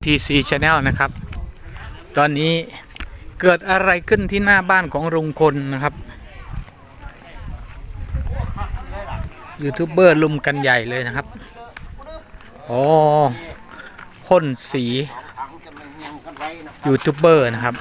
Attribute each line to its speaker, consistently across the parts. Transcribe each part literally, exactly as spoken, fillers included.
Speaker 1: ที ซี Channel นะครับ ตอนนี้เกิดอะไรขึ้นที่หน้าบ้านของลุงพลนะครับยูทูบเบอร์ลุมกันใหญ่เลยนะครับอ๋อพ่นสียูทูบเบอร์นะครับ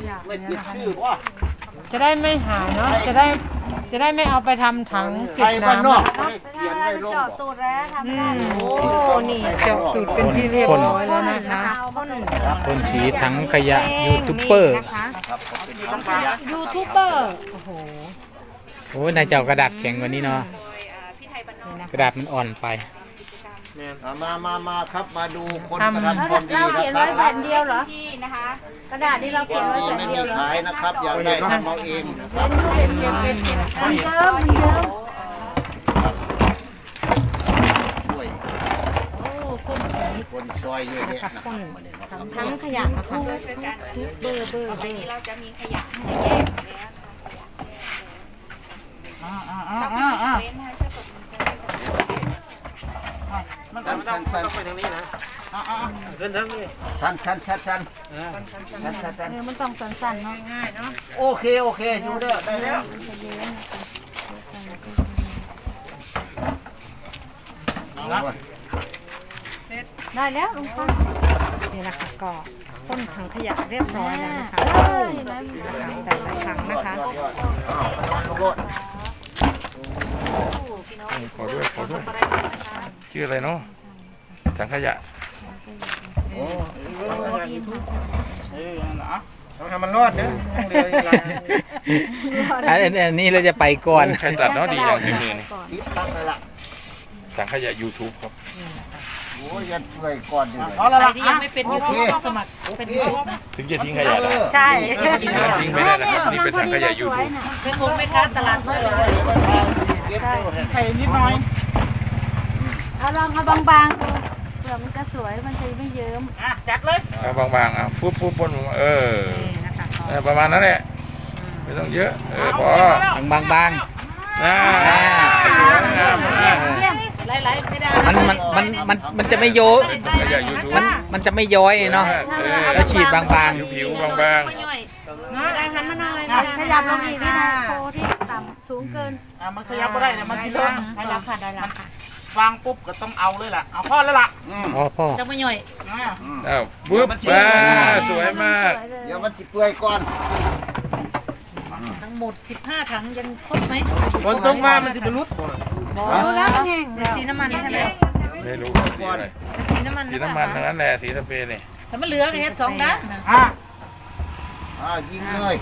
Speaker 2: จะได้ไม่หายเนาะจะได้จะได้ไม่เอาไปทำถังเก็บน้ำ
Speaker 3: เจาะตูดแล้วทำได้
Speaker 2: โอ้นี่เจาะตูดเป็นที่เรียบร้อยแล้วนะคะ
Speaker 1: พ่นสีถังขยะยูทูบเบอร์
Speaker 2: ยูทูบเบอร์โอ้โห
Speaker 1: โอ้ยนายเจ้ากระดาษแข็งกว่านี้เนาะกระดาษมันอ่อนไป
Speaker 4: มามามาครับมาดูคนกระทำความดี
Speaker 3: เรา
Speaker 4: นะ
Speaker 3: เขียน
Speaker 4: ครั
Speaker 3: ไว้
Speaker 4: บ
Speaker 3: แผ่นเดียวเหรอที่นะคะกระดาษที่เราเขียนไว้
Speaker 4: นี่
Speaker 3: แผ่
Speaker 4: ไม่
Speaker 3: นเดี
Speaker 4: มี
Speaker 3: ยวเหรอ
Speaker 4: ขายนะครับอยากได้ทำเอาเองนะครับ
Speaker 3: มันเยอะมันเยอะ
Speaker 4: ช่วยคนซอยเยอะแยะนะครับ
Speaker 2: ทั้งขยะนะคะ
Speaker 3: เบอร์เบอร์เบอร์เราจะมีขยะให้แยกแล้ว
Speaker 4: สั้นสั้นสั้นไปทางนี้นะเดินทางนี้สั้นสั้นสั้นสั้นสั้นสั้น
Speaker 3: เออมันต้องสั้นๆเนาะง่ายเนาะ
Speaker 4: โอเคโอเคชูเด้อได้แล้ว
Speaker 3: ได้แล้วลุงป้า
Speaker 2: นี่นะคะก็พ่นถังขยะเรียบร้อยแล้วนะคะ
Speaker 3: เออเห็นไหม
Speaker 2: แต่ละถังนะคะ
Speaker 5: ขอด้วยขอด้วยชื่ออะไรเนาะถังขยะ
Speaker 4: ทำมันรอดเด้อ
Speaker 1: อันนี้เราจะไปก่อน
Speaker 5: ใครตัดเนาะดีอย่างนี้มือนี่
Speaker 4: ติดตั้งเลยล่ะ
Speaker 5: ถังขยะ YouTube ครับ
Speaker 4: โอ้ยยันช่วยก่อนดิ
Speaker 3: เอาละที่ยังไม่เป็นยูทูบสมัครเป็นยูทูบนะ
Speaker 5: ถึงจะทิ้งขยะได้
Speaker 3: ใช่
Speaker 5: ทิ้งไม่ได้นะครับนี่เป็นถังขยะ YouTube
Speaker 3: เป็นคงไม่ค้าตลาดน้อยเลยใส่นิดหน่อยเอาลองเอาบางๆดูเผื่อมันจะสวยมันจะไม่เยิ้มอ่ะจัดเลย
Speaker 5: เอาบางๆอ่ะปุ๊บปุ๊บปุ๊บเออประมาณนั้นแหละไม่ต้องเยอะเออพอบ
Speaker 1: างบาง
Speaker 5: น่า
Speaker 3: ไหลๆไม่ได้
Speaker 1: มันมันมันมันมันจะไม่โย
Speaker 5: ถังขยะ YouTube
Speaker 1: มันมันจะไม่ย้อยเนาะแล้วฉีดบาง
Speaker 5: ผิวๆบาง
Speaker 3: ได้หันมาหน่อยขยับลงอีกนี่นะโคที่ต่ำสูงเกิน
Speaker 6: อ่ะมันขยับก็ได้แต่มันสิเลอะ
Speaker 3: ได้แล้วค่ะได้แล้วค่ะ
Speaker 6: วางปุ๊บก็ต้องเอาเลยล่ะ เอาข้อแล้วล่ะ
Speaker 1: ๆอ๋อพ่อ
Speaker 3: จะไม่ย่อย
Speaker 6: อ่ะ
Speaker 5: ๆอ้าวปุ๊บมาสวยมาก
Speaker 4: เดี๋ยวมันจิเปื่อยก่อน
Speaker 3: ทั้งหมดสิบห้าถังยังครบไหม
Speaker 6: ฝนตกมามันสิบรรลุ
Speaker 3: ดูแล้วแห้งเดี๋ยวสีน้ำมันใช่ไหม
Speaker 5: ไม่รู้สีอะไร
Speaker 3: สีน้ำมัน
Speaker 5: สีน้ำมันทั้งนั้นแหละสีสเปรย์นี่
Speaker 3: แต่มันเหลือแค่สองด้านนะ
Speaker 6: อ่ะ
Speaker 4: อ่ายิงเลย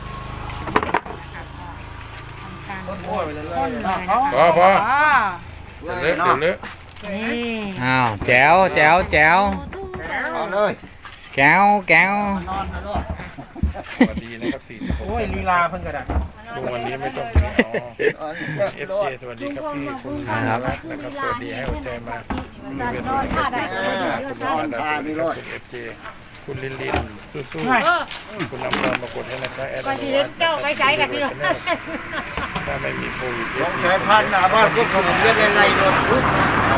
Speaker 6: โอ้ยเลยเลย
Speaker 5: พอพอ
Speaker 3: อ๋อ
Speaker 5: เดี๋ยวเลอะเดี๋ยวเลอะ
Speaker 3: นี่
Speaker 1: อ้าวแจ๋วแจ๋วแจ๋ว
Speaker 4: เอาเลย
Speaker 1: แก้วแก้วน
Speaker 4: อนนะลูก
Speaker 5: สวัสดีนะครับสี่สิบหก
Speaker 6: โอ้ยลีลาเพิ่งกระดาษ
Speaker 5: ลุงวันนี้ไม่ต้องอ๋อเอฟเจสวัสดีครับพี่คุณรักนะครับสวัสดีให้หัวใจมาคุณเวทคุณมาดาคุณมาดาสวัสดีครับคุณเอฟเจคุณลินลินสู้ๆคุณนำเรามากดให้นะครับแอดมินเจ้าไว้ใจกันพี่ถ้าไม่มีโควิดเอ
Speaker 4: ต้อ
Speaker 5: ฟ
Speaker 4: ง
Speaker 5: ซี
Speaker 4: ใช้พันหน้าบ้านพวกผมเรียกอะไรโดนทุกเอา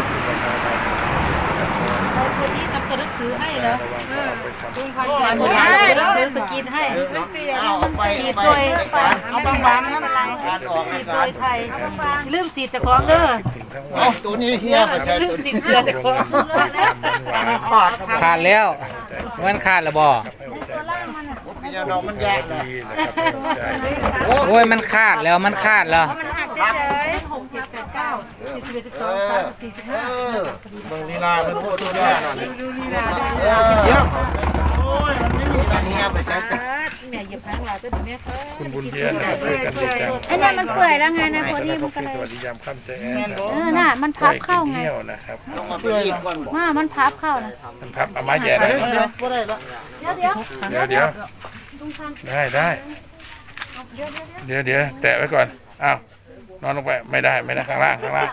Speaker 3: เราคนนี้ทำตัวหนังสือให้เหรอ
Speaker 5: ระวังเอาไปทำ
Speaker 3: หนังสือสกินให้
Speaker 4: เอาเอาไป
Speaker 3: ฉีด
Speaker 4: ไป
Speaker 3: โดย
Speaker 6: เอาบางๆนะ
Speaker 4: การออก
Speaker 3: ฉี
Speaker 4: ราย
Speaker 3: ดโด
Speaker 4: การ
Speaker 3: ยไทยลืมสีแต่ของเด้อ
Speaker 5: ถึงทั้งวั
Speaker 4: เอา
Speaker 5: น
Speaker 4: ตัวนี้เฮียไปใช้
Speaker 3: ลื
Speaker 4: ตั
Speaker 3: ม
Speaker 4: ว
Speaker 3: สี
Speaker 4: นี้
Speaker 3: เสื้อแต่ของ
Speaker 6: ขาด
Speaker 1: ขาดแล้วมันขาดแล้วบ่
Speaker 4: พี่ยาดอกมันยากเลย
Speaker 5: ดีนะครับ
Speaker 1: โอ้ยมันขาดแล้วมันขาดแล้ว
Speaker 3: มันหักเฉยๆหกเจ็ดแปดเก้าสี่สิบเอ็ดสิบสองสามสิบสี่สิบห้า
Speaker 6: เบิ่งลีลาเป็นพวกตัวนี้หน่อย
Speaker 3: ดูลีลาได้
Speaker 4: เออ
Speaker 6: เดี๋ยวโอ้ยมันไม่มี
Speaker 4: ตัวนี้ไปใช้
Speaker 3: เออแม่เหยียบทั้งหลายตัวเนี้ยเออ
Speaker 5: คุณบุญเพียรนะครับช่วยกันดีจัง
Speaker 3: ไอ้เนี่ยมันเปื่อยแล้วไงนะพอดีมันก็เลย
Speaker 5: สวัสดียามค่ำใจแอน
Speaker 3: เออน่ะมันพับเข้าไง
Speaker 5: เที่ยวนะครับ
Speaker 4: ต้องมาไปรีบก่อนบอก
Speaker 3: ว่ามันพับเข้านะ
Speaker 5: มันพับเอาไม้แย่ได้
Speaker 6: เดี๋ยวเดี๋ยวก็ได้ละ
Speaker 3: เดี๋ยวเดี๋ยว
Speaker 5: เดี๋ยวเดี๋ยวได้ได้เดี๋ยวเดี๋ยวแตะไว้ก่อนอ้าวนอนลงไปไม่ได้ไม่ได้ข้างล่างข้างล่าง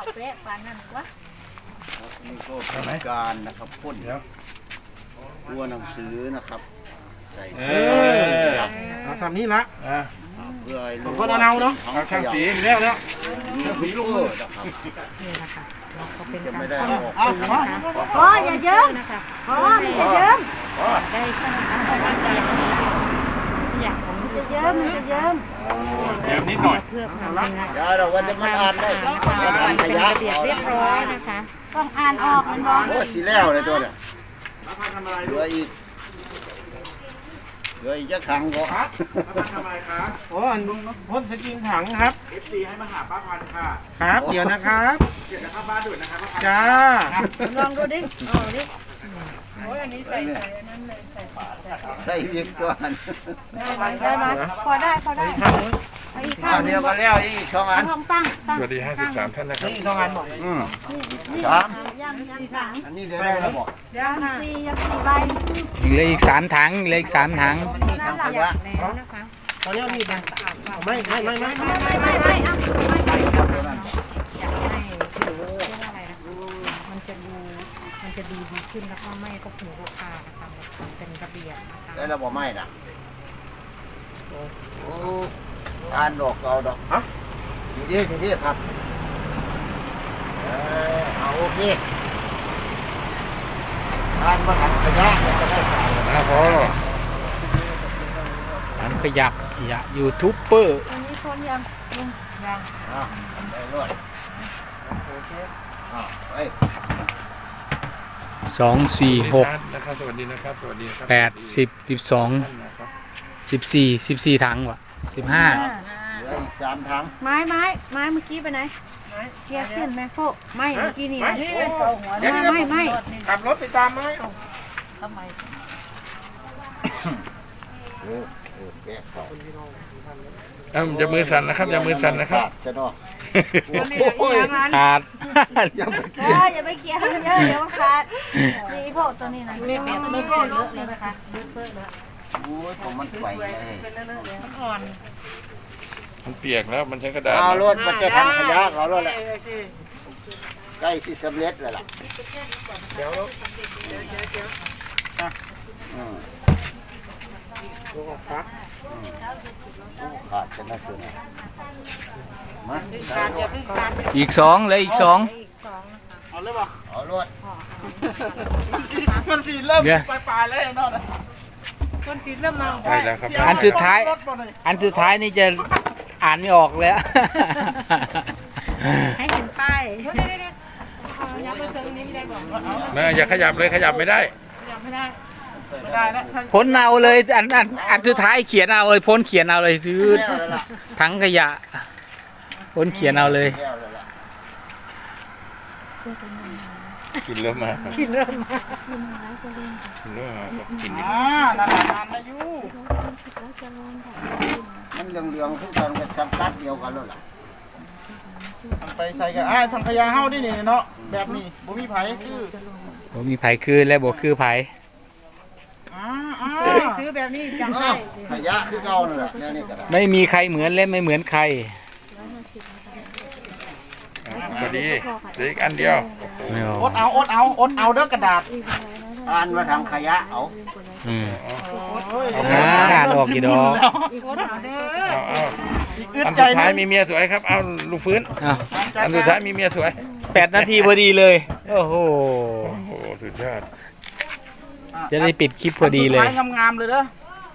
Speaker 4: นี่ก็เป็นการนะครับพ่นตัวหนังสือนะครับใส่
Speaker 5: เอ
Speaker 6: เอาทำนี้ละ
Speaker 5: อ่ะ
Speaker 4: เพื่อให้รู้
Speaker 6: คนเอาเอาเนาะ
Speaker 5: เอาช่างสี
Speaker 6: มีแล้วแล้ว
Speaker 4: สีลูกนะครับ
Speaker 2: นี่นะคะเราก็เป็น
Speaker 4: จะ
Speaker 2: การ
Speaker 4: ไม่ได้
Speaker 2: พ่น
Speaker 4: ออก
Speaker 2: สีนะคะ
Speaker 3: อ๋ออย่าเยิ้มอ๋อมันจะเยิ้มยิ้มมันจะเยิ้ม
Speaker 5: เดี๋ยวนิดหน่อย
Speaker 2: เพื่อความเป็น
Speaker 4: เดี๋ยวเราว่าจะมาอ่านได้
Speaker 2: เป็นระเบียบเรียบร้อยนะคะ
Speaker 3: ต้องอ่านออกมันบอก
Speaker 4: โอ้สีแล้วเลยตัวเนี่ยเหลืออีกเหลืออีกจะขังก็
Speaker 6: โอ้อันพ่นสกินถังครับ
Speaker 4: เอฟซีให้มาหาป้าพันค่ะ
Speaker 6: ครับ เดี๋ยวนะครับเดี๋ยวนะครับบ้านด่วนนะครับจ้า
Speaker 3: ลองดูดิเอาดิ
Speaker 4: ใส่อีกตัวนึง
Speaker 3: ได้ไหมพอได้พอได้เอาอีกข้า
Speaker 4: เอา
Speaker 3: งหนึ
Speaker 4: เดียว
Speaker 3: ง
Speaker 4: มาแล้วอีกสองอัน
Speaker 3: ห้องตั้งตั้ง
Speaker 5: สวัสดีห้าสิบสามท่านนะครับ
Speaker 6: นี่สองอันบอก
Speaker 4: อืมสาม
Speaker 3: ย่างย่างถัง
Speaker 4: อันนี้เดี๋ยวได้แล้วบอก
Speaker 3: ย่างสี่ย่างสี่ใบ
Speaker 1: เหลืออีกสามถังเหลืออีกสามถัง
Speaker 4: นี่ทำขยะ
Speaker 2: แล้วนะคะ
Speaker 6: ตอนนี้มีดนะไม่ไม่ไม่ไม่
Speaker 3: ไม่ไม่ไม่ไม่เอา
Speaker 2: อยากให้ถือเรียกว่าอะไรนะคะมันจะดูมันจะดูดีขึ้นแล้วก็ไม่ก็ถึงลูกค้านะคะมันเป็นระเบียบนะคะ
Speaker 4: ได้แล้วบอกไม่นะโอ้อ่านดอกเอาดอกฮะดีดีดีดีครับเออเอาโอเคอ่านมาทำขยะจะได้ใส่
Speaker 5: นะพอ
Speaker 1: ถังขยับอย่ายูทูบเบอร์
Speaker 3: อันนี้คนยังยัง
Speaker 4: อ่ะได้รวดโอเคอ่ะเฮ้ย
Speaker 1: สองสี่หก
Speaker 5: นะครับสวัสดีนะครับสวัสดีครับ
Speaker 1: แปดสิบสิบสองสิบสี่สิบสี่ถังวะสิบห้า
Speaker 4: เหลืออีกสามถัง
Speaker 3: ไม้ไม้ไม้เมื่อกี้ไปไหนเกียร์ขึ้นแม่โฟไม่เมื่อกี้นี่นะไม่ไม่ไม่
Speaker 6: ขับรถไปตามไหม
Speaker 4: เออเออแกะเขา
Speaker 5: เอ้าอย่ามือสั่นนะครับอย่ามือสั่นนะครับ
Speaker 4: ใช่เนาะ
Speaker 1: โอ้ยขาด
Speaker 3: โอ้ยอย่าไปเกียร์มันเยอะเดี๋ยวมันขาดนี่พวกตัวนี้นะไม่เป็นไม่เป็นเลอะเลยนะคะเลอะเปื้อนเลอะ
Speaker 4: โอ้ยผมมันไหวเลย
Speaker 5: มันเปียกแล้วมันใช้กระดาษ
Speaker 4: เอารถมาจะทำขยะเอารถแหละใกล้สิสำเร็จแล้วล่ะเดี๋ยวอืมขาดจะน่าคืนมา
Speaker 1: อีกสองเหลืออีกสอง
Speaker 6: เอาเลยป่ะ
Speaker 4: เอารถ
Speaker 6: มันสีเริ่ม
Speaker 1: เดี๋ยว
Speaker 6: ปลายๆแล้วนอนคนสีเริ่มมา
Speaker 5: ได้แล้วครับ
Speaker 1: อันสุดท้าย อันสุดท้ายนี่จะอ่านไม่ออกแล้ว
Speaker 2: ให้เห็นป้าย
Speaker 5: เมื่ออย่าขยับเลยขยับไม่ได้
Speaker 6: ไม่ได้แล้ว
Speaker 1: พ้นเอาเลยอันอันอันสุดท้ายเขียนเอาเลยพ้นเขียนเอาเลยซื้อ
Speaker 4: แล้วแล้วล่ะ
Speaker 1: ถังขยะพ้นเขียนเอาเลย
Speaker 4: แล้วแล้วล่ะ
Speaker 5: กินเริ่มมา
Speaker 2: กินเริ่มมา
Speaker 5: กินเริ่มมาบอกกินดิ
Speaker 6: อ่านานนานอายุ
Speaker 4: มันเหลืองๆทุกตอนก็สัมกัดเดียวกันแล้วล่ะ
Speaker 6: ไปใส่กันอ่าทางขยะเฮาดินี่เนาะแบบนี้บ่มีไผคือ
Speaker 1: ผมมีไผคืนและบอกคือไผ
Speaker 6: อ่าอ่า
Speaker 3: ซื้อแบบนี้จำ
Speaker 4: อ้า
Speaker 3: ได้
Speaker 4: วขยะคือเก่านั่นแหละเนี่ยนี่ก็ได้
Speaker 1: ไม่มีใครเหมือนและไม่เหมือนใคร
Speaker 5: พอดีเหลืออีกอันเดียว
Speaker 1: ไม่ออ
Speaker 6: อดเอาอดเอาอดเอาเด้อกระดาษ
Speaker 4: อ่านมาทำขยะเอา
Speaker 1: อืม
Speaker 6: โอ้ย
Speaker 1: อ่าอ่านออกกี่ดอก
Speaker 5: เอาเอา
Speaker 6: อีกอึด
Speaker 5: อัน
Speaker 6: ใจ
Speaker 5: สุดท้าย
Speaker 6: นึง
Speaker 5: มีเมียสวยครับเอาลูกฟื้น
Speaker 1: อ้าว
Speaker 5: อันสุดท้ายมีเมียสวย
Speaker 1: แปดนาทีพอดีเลย โอ้โห
Speaker 5: โอ้โหสุดยอด
Speaker 1: จะได้ปิดคลิปพอดีเลย
Speaker 6: นสุท้างามๆเลยเด้อ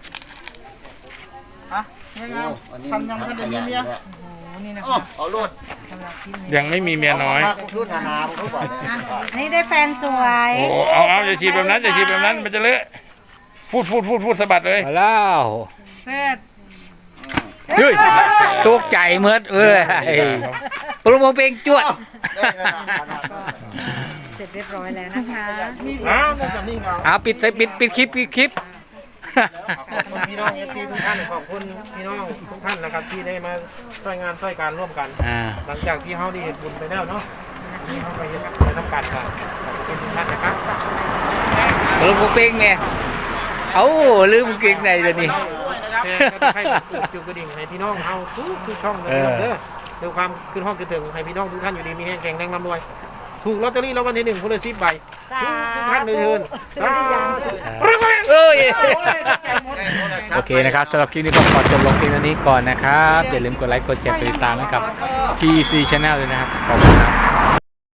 Speaker 6: ฮะงาม
Speaker 4: อันนี้
Speaker 6: ๆทำยังไม่ได้มีเมีย
Speaker 4: อ้าวเอารถ
Speaker 5: ยังไม่มีเมียน้อย
Speaker 4: ชุดนานาเขาบอกเนี่ย
Speaker 2: นี่ได้แฟนสวย
Speaker 5: โอ้เอาเอาอย่าฉีดแบบนั้นอย่าฉีดแบบนั้นมันจะเลอะพูดพูดพูดพูดสะบัดเลย
Speaker 1: มาแล้ว
Speaker 6: เสร็จ
Speaker 1: เฮ้ยตกใจเมื่อเอ้ยปรุงเพลงจวด
Speaker 4: ได้แล้วนะขนาดนั้น
Speaker 2: เสร็จเรียบร้อยแล้วนะคะ
Speaker 6: อ้าวได้สำนีเงา
Speaker 1: เอาปิดปิดปิดคลิปปิดคลิป
Speaker 6: ขอบคุณพี่น้องเอฟซีทุกท่านขอบคุณพี่น้องทุกท่านนะครับที่ได้มาช่วยงานช่วยการร่วมกัน
Speaker 1: อ่า
Speaker 6: หลังจากที่เขาได้เห็นบุญไปแล้วเนาะนี่เขาไปเห็นไปทำการกันขอบคุณทุกท่านนะครับ
Speaker 1: ปรุงเพลงเนี่ยเอ้าลืมเก่งในเดี๋ยวนี้
Speaker 6: แชร์กันให้จุดกระดิ่งให้พี่น้องเอาทุกทุกช่องเลยเด้อเดี๋ยวความขึ้นห้องขึ้นถึงให้พี่น้องทุกท่านอยู่ดีมีแห้งแข็งแรงร่ำรวยถูกลอตเตอรี่รางวัลที่หนึ่งคนละสิบใบทุกท่านเลยเชิญสาธุ
Speaker 1: เอ้ยโอเคนะครับสำหรับคลิปนี้ก็ขอจบลงเพียงเท่านี้ก่อนนะครับอย่าลืมกดไลค์กดแชร์กดติดตามให้กับ ที ซี Channel ด้วยนะครับขอบคุณครับ